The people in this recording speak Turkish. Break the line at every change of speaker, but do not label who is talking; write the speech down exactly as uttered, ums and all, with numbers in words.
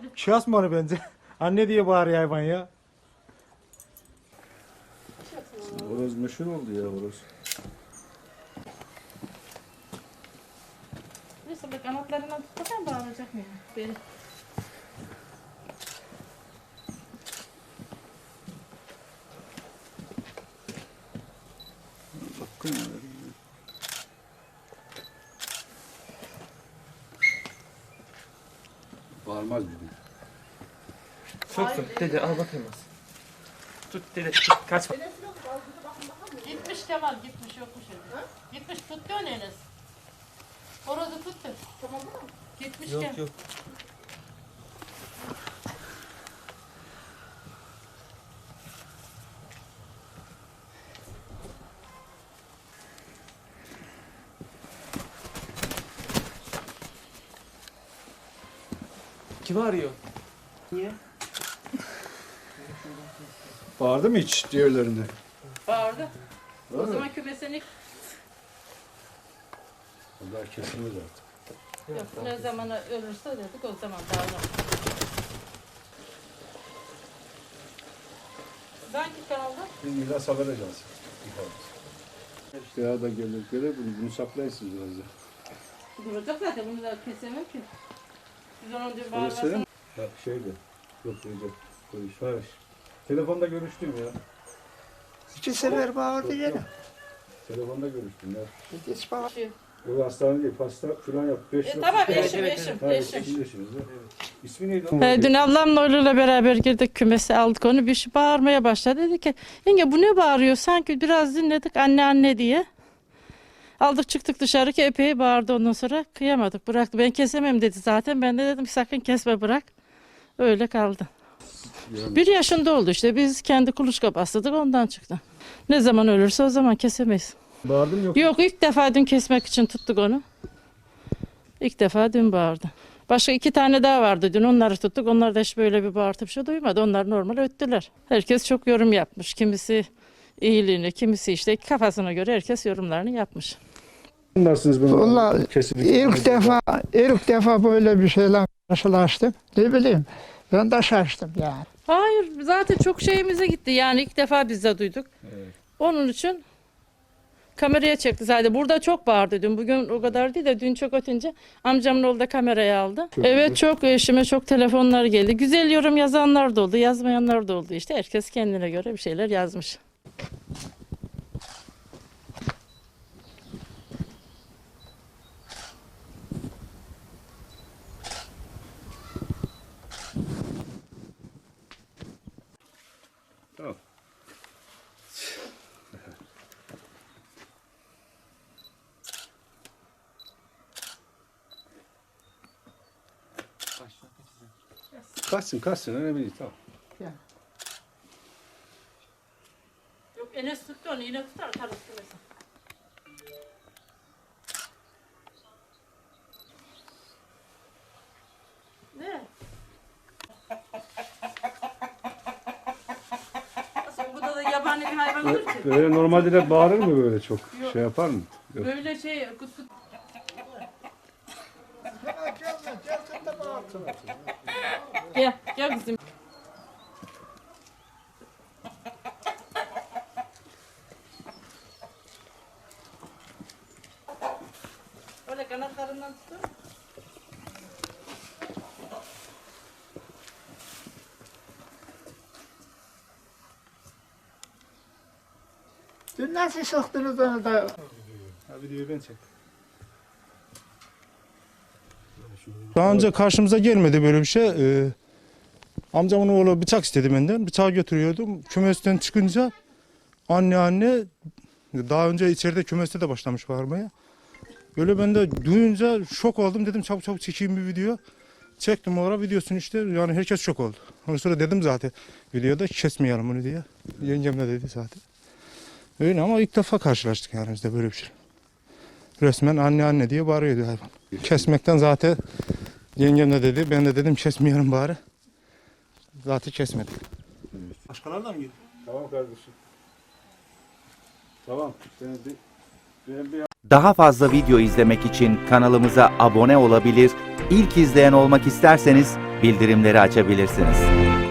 hadi.
Şahs mı bence? Anne diye bağırıyor hayvan ya.
Horoz meşhur oldu ya horoz.
Neyse bak kanatlarından tutarsan bağıracak mı? Beni.
Bakın ya. Bağırmaz bir gün.
Tut tut dede al bakayım az. Tut dede tut kaçma.
Gitmiş Kemal gitmiş yokmuş evde. Gitmiş tuttu onu Enes. Horozu tuttu. Tamam mı? Gitmiş
Yok
Kemal.
yok. Kim arıyor? Niye?
Bağırdı mı hiç diğerlerinde?
Bağırdı. O
Öyle mi?
zaman kümesini
Onlar kesilmez artık.
yok, ne zaman ölürse dedik o zaman bağırır. Hangi kanalda?
Biz miras haber ajansı. İşte ya da gelir gelir bunu, bunu saklayın siz biraz da.
Duracak zaten bunu da kesemem ki. Biz onu diyor
Öyle söyleyeyim
bağırmasın.
mi? Bak şeydi. Yok Recep. Konuş. Hayır. Telefonda görüştüm ya.
İki sefer bağırdı
Yok,
gene.
yok. Telefonda görüştüm ya.
Hiç bağır.
O hastane değil, pasta falan yap. Beş
E,
yok.
tamam
Evet,
eşim
evet,
eşim
Hayır,
eşim.
eşim. eşiniz, evet. İsmi neydi?
He, dün ablamla oğluyla beraber girdik kümese aldık onu bir şey bağırmaya başladı. Dedi ki yenge bu ne bağırıyor sanki biraz dinledik anne anne diye. Aldık çıktık dışarı ki epey bağırdı ondan sonra kıyamadık bıraktı. Ben kesemem dedi zaten ben de dedim sakın kesme bırak. Öyle kaldı.
Yani-
Bir yaşında oldu işte biz kendi kuluçka bastırdık ondan çıktı. Ne zaman ölürse o zaman kesemeyiz.
Bağırdım yok.
Yok ilk defa dün kesmek için tuttuk onu. İlk defa dün bağırdı. Başka iki tane daha vardı dün onları tuttuk. Onlar da hiç böyle bir bağırtı bir şey duymadı. Onlar normal öttüler. Herkes çok yorum yapmış. Kimisi iyiliğini, kimisi işte kafasına göre herkes yorumlarını yapmış.
Anlarsınız bunu.
Vallahi
Kesinlikle.
ilk defa, ilk defa böyle bir şeyle karşılaştım. Ne bileyim, ben de şaştım yani.
Hayır zaten çok şeyimize gitti. Yani ilk defa biz de duyduk.
Evet.
Onun için kameraya çekti zaten. Burada çok bağırdı dün. Bugün o kadar değil de dün çok ötünce amcamın oğlu da kameraya aldı.
Çok
Evet
güzel.
çok eşime çok telefonlar geldi. Güzel yorum yazanlar da oldu, yazmayanlar da oldu. İşte herkes kendine göre bir şeyler yazmış.
Tamam. Kaçsın kaçsın önemli değil tamam.
Yok Enes tuttu onu yine tutar atarız kümesi. Ne? Nasıl bu da, da yabani bir hayvan olur ki?
Böyle normalde de bağırır mı böyle çok?
Yok.
Şey yapar mı? Yok.
Böyle şey kut kut. Gel, gel kızım. Öyle kanatlarından tutun.
Dün nasıl soktunuz onu da?
Ha videoyu ben çek.
Daha önce karşımıza gelmedi böyle bir şey. Ee, amcamın oğlu bıçak istedi benden. Bıçağı götürüyordum. Kümesten çıkınca anne anne daha önce içeride kümeste de başlamış bağırmaya. Böyle ben de duyunca şok oldum. Dedim çabuk çabuk çekeyim bir video. Çektim orada videosunu işte. Yani herkes şok oldu. Ondan sonra dedim zaten videoda kesmeyelim bunu diye. Yengem de dedi zaten. Öyle ama ilk defa karşılaştık yani bizde böyle bir şey. Resmen anne anne diye bağırıyordu hayvan. Kesmekten zaten yengem de dedi. Ben de dedim kesmeyelim bari. Zaten kesmedik. Başkalarına mı gidiyor?
Tamam kardeşim. Tamam. Sen bir, ben bir
Daha fazla video izlemek için kanalımıza abone olabilir, ilk izleyen olmak isterseniz bildirimleri açabilirsiniz.